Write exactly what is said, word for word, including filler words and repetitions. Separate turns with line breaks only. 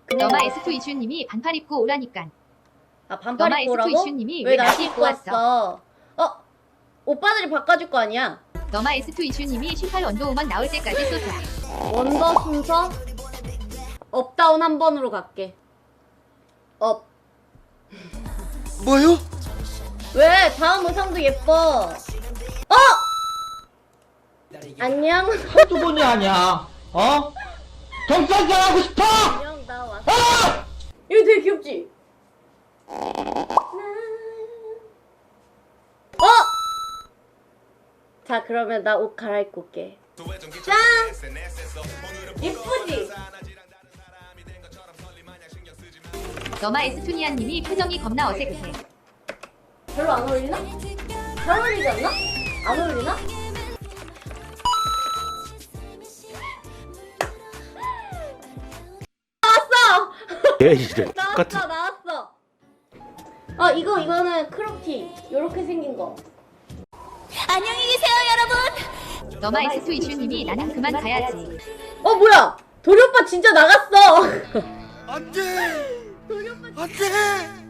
너마 에스투 이슈님이 반팔 입고 오라니깐.
아 반팔
너마
입고
에스투
오라고?
이슈님이
왜 나시 입고 왔어? 어? 오빠들이 바꿔줄 거 아니야?
너마 에스투 이슈님이 십팔 원더우먼 나올 때까지 쏘자.
원더 순서? 업다운 한 번으로 갈게. 업.
뭐요?
왜? 다음 의상도 예뻐. 어! 안녕.
한두 번이 아니야. 어? 경찰서 하고 싶어!
안녕, 나 왔어.
어!
이거 되게 귀엽지? 어! 자, 그러면 나 옷 갈아입고 올게. 짠! 예쁘지?
너마 에스투니아님이 표정이 겁나 어색해.
별로 안 어울리나? 잘 어울리지 않나? 안 어울리나? 나왔어!
예이래
나왔어, 나왔어. 아, 이거, 이거는 크롭티. 요렇게 생긴 거.
안녕히 계세요, 여러분.
너마 에스투 이슈님이 나는 그만 가야지.
어, 뭐야? 도리 오빠 진짜 나갔어.
안돼
도리 오빠
안돼